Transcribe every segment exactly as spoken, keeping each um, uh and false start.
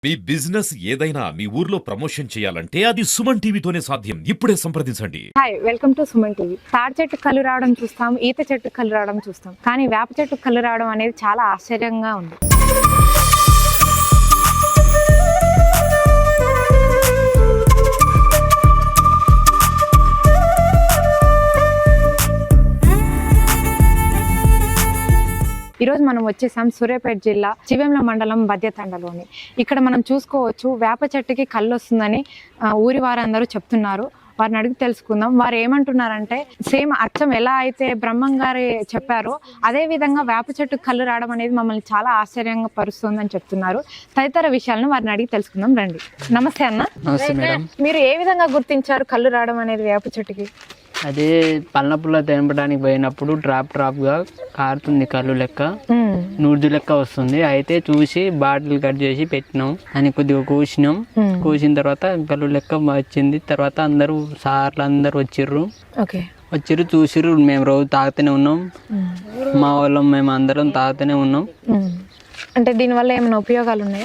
మీ business ఏదైనా మీ ఊర్లో promotion చేయాలంటే అది సుమన్ టీవీతోనే సాధ్యం. ఇప్పుడే సంప్రదించండి. Hi, welcome to Suman TV. తాడి చెట్టు కళ్ళు రావడం చూస్తాం, ఈత చెట్టు కళ్ళు రావడం చూస్తాం, కానీ వేప చెట్టు కళ్ళు రావడం అనేది చాలా ఆశ్చర్యంగా ఉంది. ఈరోజు మనం వచ్చేసాం సూర్యాపేట జిల్లా చివెంల మండలం బద్యతండలోని. ఇక్కడ మనం చూసుకోవచ్చు వేప చెట్టుకి కళ్ళు వస్తుందని ఊరి వారందరూ చెప్తున్నారు. వారిని అడిగి తెలుసుకుందాం. వారు ఏమంటున్నారంటే సేమ్ అచ్చం ఎలా అయితే బ్రహ్మం గారు చెప్పారో అదే విధంగా వేప చెట్టు కళ్ళు రావడం అనేది మమ్మల్ని చాలా ఆశ్చర్యంగా పరుస్తుందని చెప్తున్నారు. తదితర విషయాలను వారిని అడిగి తెలుసుకుందాం రండి. నమస్తే అన్న. నమస్తే మేడం. మీరు ఏ విధంగా గుర్తించారు కళ్ళు రావడం అనేది వేప చెట్టుకి? అదే పళ్ళపుల్ల తెంపడానికి పోయినప్పుడు డ్రాప్ డ్రాప్ గా కారుతుంది కళ్ళు లెక్క, నూర్జు లెక్క వస్తుంది. అయితే చూసి బాటిల్ కట్ చేసి పెట్టినాం అని కొద్దిగా కూసినాం. కూసిన తర్వాత కళ్ళు లెక్క వచ్చింది. తర్వాత అందరూ సార్లు అందరు వచ్చిర్రు వచ్చిర్రు చూసిర్రు. మేము రోజు తాగుతూనే ఉన్నాం, మా వాళ్ళం మేము అందరం తాగుతూనే ఉన్నాం. అంటే దీనివల్ల ఏమైనా ఉపయోగాలు ఉన్నాయా?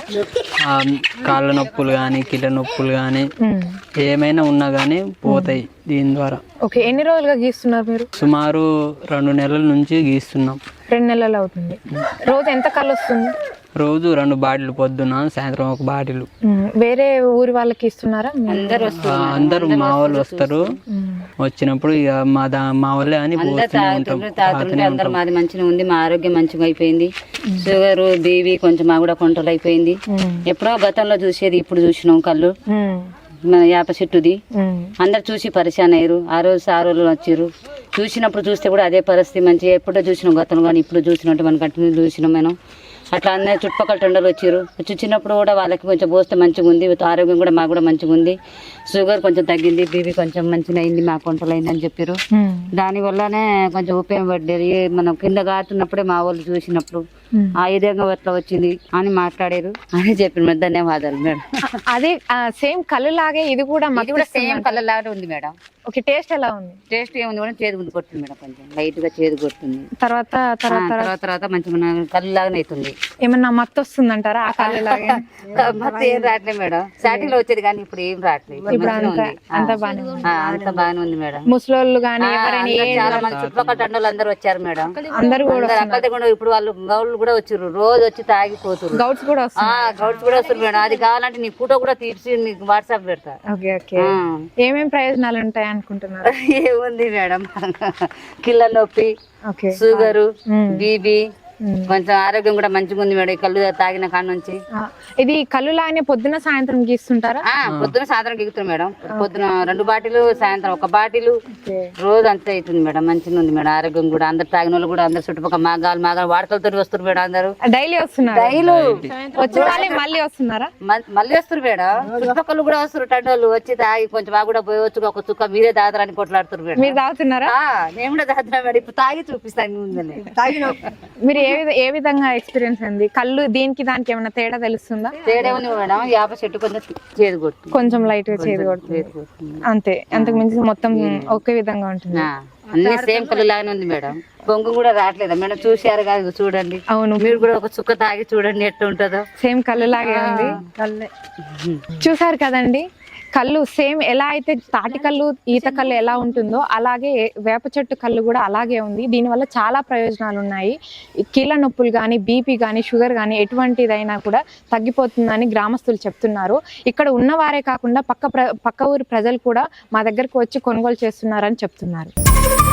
కాళ్ళ నొప్పులు కానీ కిళ్ళ నొప్పులు కానీ ఏమైనా ఉన్నా కానీ పోతాయి దీని ద్వారా. ఓకే, ఎన్ని రోజులుగా గీస్తున్నారు మీరు? సుమారు రెండు నెలల నుంచి గీస్తున్నాం. రెండు నెలలు అవుతుంది. రోజు ఎంత కళ్ళు వస్తుంది? రోజు రెండు బాటిల్, పొద్దున సాయంత్రం ఒక బాటిల్. వేరే ఊరి వాళ్ళకి ఇస్తున్నారా? అందరూ మా వాళ్ళు వస్తారు. వచ్చినప్పుడు ఇక మా దా మా వాళ్ళే అని అందరూ మాది మంచిగా ఉంది, మా ఆరోగ్యం మంచిగా అయిపోయింది. షుగర్ బీవీ కొంచెం మా కూడా కంట్రోల్ అయిపోయింది. ఎప్పుడో గతంలో చూసేది ఇప్పుడు చూసినాం కళ్ళు మన వేప చెట్టుది. అందరు చూసి పరిశాన్ అయ్యారు. ఆ రోజు ఆ రోజులు వచ్చారు. చూసినప్పుడు చూస్తే కూడా అదే పరిస్థితి మంచిగా ఎప్పుడో చూసినాం గతంలో, కానీ ఇప్పుడు చూసినట్టు మనం కంటిన్యూ చూసినాం మనం. అట్లా అందరూ చుట్టుపక్కల టొండలు వచ్చారు. చూసినప్పుడు కూడా వాళ్ళకి కొంచెం పోస్తే మంచిగా ఉంది, ఆరోగ్యం కూడా మాకు కూడా మంచిగా ఉంది. షుగర్ కొంచెం తగ్గింది, బీపీ కొంచెం మంచిగా అయింది, మా కంట్రోల్ అయింది అని చెప్పారు. దాని వల్లనే కొంచెం ఉపయోగపడ్డది. మనం కింద కాతున్నప్పుడే మా వాళ్ళు చూసినప్పుడు ఆ విధంగా ఎట్లా వచ్చింది అని మాట్లాడారు అని చెప్పిన. ధన్యవాదాలు మేడం. అదే సేమ్ కళ్ళు లాగే ఇది కూడా ఇది కూడా సేమ్ కలర్ లాగా ఉంది మేడం. ఓకే, టేస్ట్ ఎలా ఉంది? టేస్ట్ ఏముంది కూడా చేదు ఉంది కొడుతుంది మేడం, కొంచెం లైట్ గా చేదు కొడుతుంది. తర్వాత తర్వాత తర్వాత తర్వాత మంచిగా కళ్ళు లాగానే అవుతుంది. ఏమన్నా మత్తు వస్తుంది అంటారా ఆ కళ్ళు లాగే? మత్తు ఏం రావట్లేదు మేడం. స్టార్టింగ్ లో వచ్చేది కానీ ఇప్పుడు ఏం రావట్లేదు. అంత బాగానే అంత బాగానే ఉంది మేడం. ముసలోళ్ళు కానీ చాలా మంది చుట్టుపక్కల తండ్రులు అందరూ వచ్చారు మేడం. అందరూ కూడా అక్కడికి కూడా ఇప్పుడు వాళ్ళు గౌళ్ళు కూడా వచ్చారు, రోజు వచ్చి తాగిపోతారు. గౌడ్స్ కూడా గౌడ్స్ కూడా వస్తారు మేడం. అది కావాలంటే నీ ఫోటో కూడా తీసి నీకు వాట్సాప్ పెడతా. Okay okay. ఏమేమి ప్రయోజనాలు ఉంటాయి అనుకుంటున్నారు? ఏముంది మేడం, కిళ్ళ నొప్పి, షుగరు, బీబీ, కొంచెం ఆరోగ్యం కూడా మంచిగా ఉంది మేడం. కళ్ళు తాగిన కాడ నుంచి. ఇది కళ్ళు లాగానే పొద్దున సాయంత్రం గీస్తుంటారా? పొద్దున సాయంత్రం గీగుతారు మేడం. పొద్దున రెండు బాటిలు, సాయంత్రం ఒక బాటిలు, రోజు అంతే అవుతుంది మేడం. మంచిగా ఉంది మేడం. ఆరోగ్యం కూడా అందరు తాగిన వాళ్ళు కూడా అందరు చుట్టుపక్కల మాగాలు మాగాలు వాడకలతో వస్తారు మేడం. అందరు డైలీ వస్తున్నారు. డైలీ వచ్చి మళ్ళీ వస్తున్నారా? మళ్ళీ వస్తారు మేడం. చుట్టుపక్కల కూడా వస్తారు టండోళ్ళు వచ్చి తాగి కొంచెం మా కూడా పోయవచ్చు, ఒక చుక్క మీరే తాగుతారని కొట్లాడుతారు మేడం. మీరు తాగుతున్నారా? నేను కూడా తాగుతున్నా మేడం. ఇప్పుడు తాగి చూపిస్తాను ముందని. మీరు ఏ ఏ విధంగా ఎక్స్పీరియన్స్ అయింది? కళ్ళు దీనికి దానికి ఏమైనా తేడా తెలుస్తుందా? తేడా ఉంది మేడం. వేప చెట్టు కొంచెం చేదు కొడుతుంది, కొంచెం లైట్ గా చేదు కొడుతుంది అంతే. అంతకు మించి మొత్తం ఒకే విధంగా ఉంటుంది. అన్ని సేమ్ కళ్ళు లాగానే ఉంది మేడం. పొంగు కూడా రావట్లేదా మేడం? చూసారు కాదు, చూడండి. అవును, మీరు కూడా ఒక చుక్క తాగి చూడండి ఎట్లా ఉంటుందో. సేమ్ కళ్ళు లాగే ఉంది. చూసారు కదండి, కళ్ళు సేమ్ ఎలా అయితే తాటి కళ్ళు, ఈత కళ్ళు ఎలా ఉంటుందో అలాగే వేప చెట్టు కళ్ళు కూడా అలాగే ఉంది. దీనివల్ల చాలా ప్రయోజనాలు ఉన్నాయి. కీళ్ళ నొప్పులు కానీ, బీపీ కానీ, షుగర్ కానీ ఎటువంటిదైనా కూడా తగ్గిపోతుందని గ్రామస్తులు చెప్తున్నారు. ఇక్కడ ఉన్నవారే కాకుండా పక్క ప్ర పక్క ఊరి ప్రజలు కూడా మా దగ్గరకు వచ్చి కొనుగోలు చేస్తున్నారని చెప్తున్నారు.